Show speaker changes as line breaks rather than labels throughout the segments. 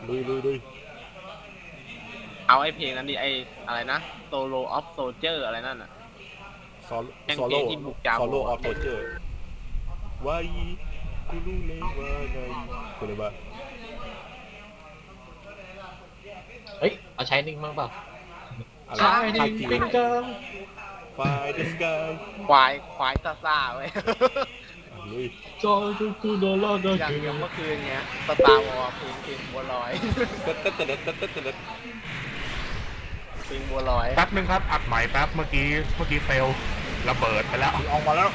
ลุย
เอาไอ้เพลงนั้นดิไอ้อะไรนะ Solo of Soldier อะไรนั่นน่ะ
ซอ
แม่ง
โซ
เพล
โล่
งที่บุกจา
โซ
โบ
โล่ออฟโซเจอร์วายกูรู้เลยว่าไงกูเลยว่า
เฮ้ยเอาใช้นิ่งมั้งเปล่า
อะไร
ใช้นิ่ง
จี
เป็นเกิง
ไฟเดสกาย
ควายซ่าเว้ย
ลุย
จอจูกูโดนล่อโดน
อย่าง
เก
อย่าง
ง
เมื่อคืนเงี้ยสตาร์วอร์เพลงบัวลอย
เต๊ดเต๊ดเต๊ดเต๊ดเต๊ดเต๊ด
เพลงบัวลอย
แป๊บนึงครับอัดใหม่แป๊บเมื่อกี้เฟลระเบิดไปแล้ว
ออกมาแล้ว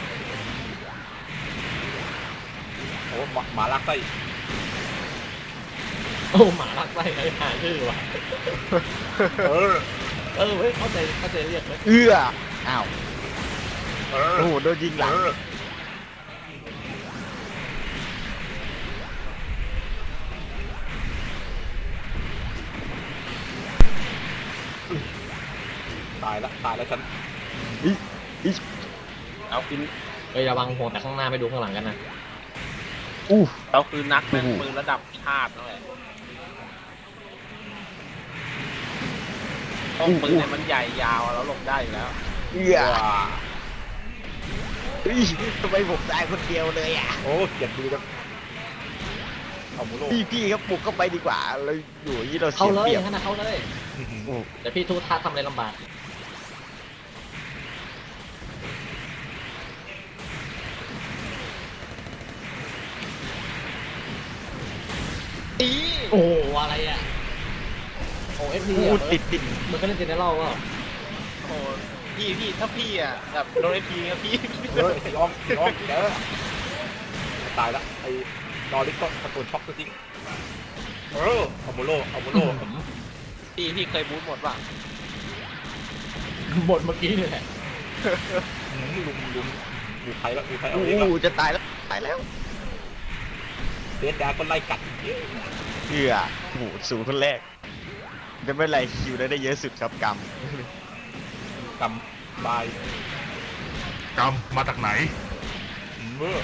โอ้หมาลักไส้
โอ้หมาลักไส้ไอ้หาชื่อว่ะ
เออ
เว้ยเข้าใจเรียกไหม
อ้าว
เออ
โอ้โหโดนยิงหลัง
ตายแล้วฉัน
เอาคือ
เฮ้ยระวังหัวแต่ข้างหน้าไม่ดูข้างหลังกันนะ
เราคือนักแม่นปืนระดับชาตินั่นแหละป้องปืนเนี่ยมันใหญ่ยาวแล้วหลบได้อยู่แล้ว
ว้า
ทำไมผมตายคนเดียวเลยอ่ะ
โอ้เกลียดดูจังเอาหมูโล
พี่ครับปลุกเข้าไปดีกว่าเราอยู่อย่างนี้เรา
เข้า
เสีย
เลย
เปรียบ
ขนาดเข้าเลยแต่พี่ทูท่าทำอะไรลำบากโอ้อะไรอ่ะโอ้เอฟพี
อู้ติด
มันก็เล่นเจนเนอรัลก็
โอ้พี่ถ้าพี่อ่ะแบบโดนไอพีครับพี่
เฮ้ยยอมเดี๋ยวตายละไอ้นอริกก็ตะโกนช็อกตัวจริงเอาหมูโล
พี่เคยบูทหมดป่ะ
บทเมื่อกี้นี่แหละ
ลุมอยู่ไทยแล้วอยู่ไทยเอา
อู้
เองละ
จะตายแล้ว
เดดดาก็ไล่กัด
โอ้โหสูงคนแรกไม่เป็นไรคิวได้เยอะสุดครับก
กำบาย
กำมาจากไหน
เมื่อ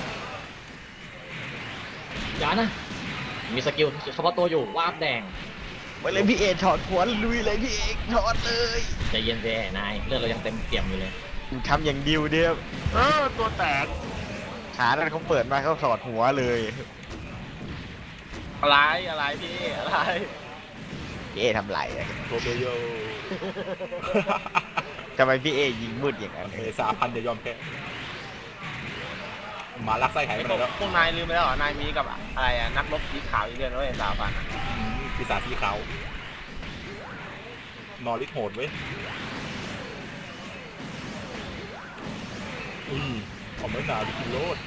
อย่านะ มีสกิลเฉพาะตัวอยู่วาบแดง
ำไปเลยพี่เอถอดหัวลุยเลยพี่เอกถอดเลย
ใจเย็นแย่นายเลือดเรายังเต็มเปี่ยมอยู่เลย
ทำอย่างดิวเดียว
ตัวแตก
ขานั้นเขาเปิดมาเขาถอดหัวเลย
อะไรพี่อะไร
พี่เอทำไรอะ
โทเบโย
ทำไมพี่เอยิงมืดอย่างนั้น
3,000จะยอมแพ้หมาลักไส้หายไปไหนแล้ว
พวกนายลืมไปแล้วเหรอนายมีกับอะไรอ่ะนักรบสีขาวอีกเดือนด้วย3,000อ่ะ
ปีศาจสีขาวนอริกโหดเว้ยเอาไม่หนาดิกินโลด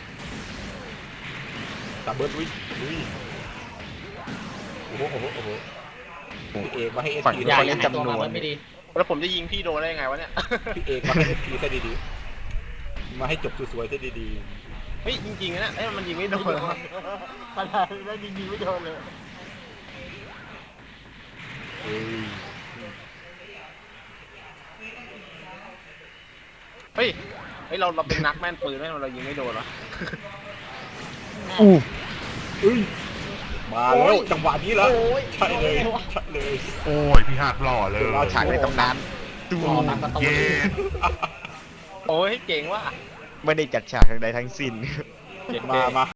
ตาเบิร์ดลุยโอ้โหพี่เอกมาให้เอสพี
อย่าหายตัวมามันไม่ดี
แล้วผมจะยิงพี่โดนได้ยังไงวะเนี่ย
พี่เอกมาให้เอสพีซะดีๆมาให้จบสวยๆซะดี
เฮ้ยจริงๆนะมันยิงไม่โดนปัญหาแล้วยิงไม่โดนเลย
ๆ
เฮ้ยเราเป็นนักแม่นปืนไหมเรายิงไม่โดนหรอ
มาแล้วจังหวะนี้แล้วใช่เลย
โอ้ยพี่ฮาดหล่อเลย
เรา
ฉากในตำนาน
รอตามประตู
เย้
โอ้ยเก่งว่ะ
ไม่ได้จัดฉากทางใดทั้งสิ้น
มา